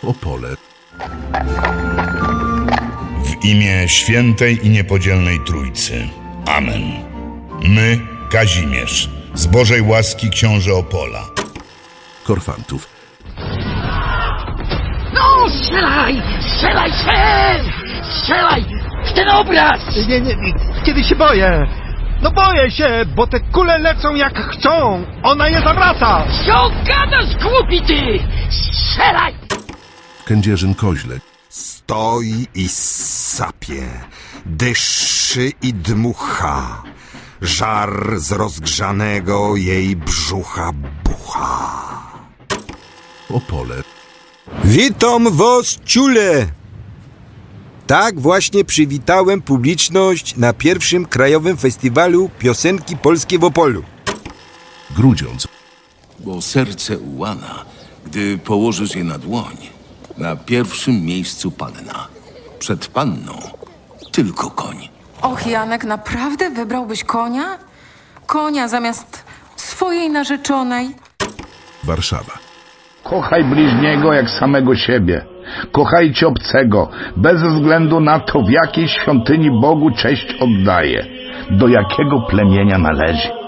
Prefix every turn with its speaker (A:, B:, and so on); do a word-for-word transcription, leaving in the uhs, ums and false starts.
A: Opole.
B: W imię świętej i niepodzielnej Trójcy. Amen. My, Kazimierz, z Bożej łaski książę Opola.
A: Korfantów.
C: No, strzelaj! Strzelaj się! Strzelaj! W ten obraz!
D: Nie, nie, nie, kiedy się boję? No boję się, bo te kule lecą jak chcą. Ona je zawraca.
C: Co gadasz, głupi ty? Strzelaj!
A: Kędzierzyn Koźle.
E: Stoi i sapie, dyszy i dmucha, żar z rozgrzanego jej brzucha bucha.
A: Opole.
F: Witam was, ciule! Tak właśnie przywitałem publiczność na pierwszym Krajowym Festiwalu Piosenki Polskiej w Opolu.
A: Grudziądz.
G: Bo serce ułana, gdy położysz je na dłoń. Na pierwszym miejscu panna. Przed panną tylko koń.
H: Och, Janek, naprawdę wybrałbyś konia? Konia zamiast swojej narzeczonej?
A: Warszawa.
I: Kochaj bliźniego jak samego siebie. Kochajcie obcego, bez względu na to, w jakiej świątyni Bogu cześć oddaje, do jakiego plemienia należy.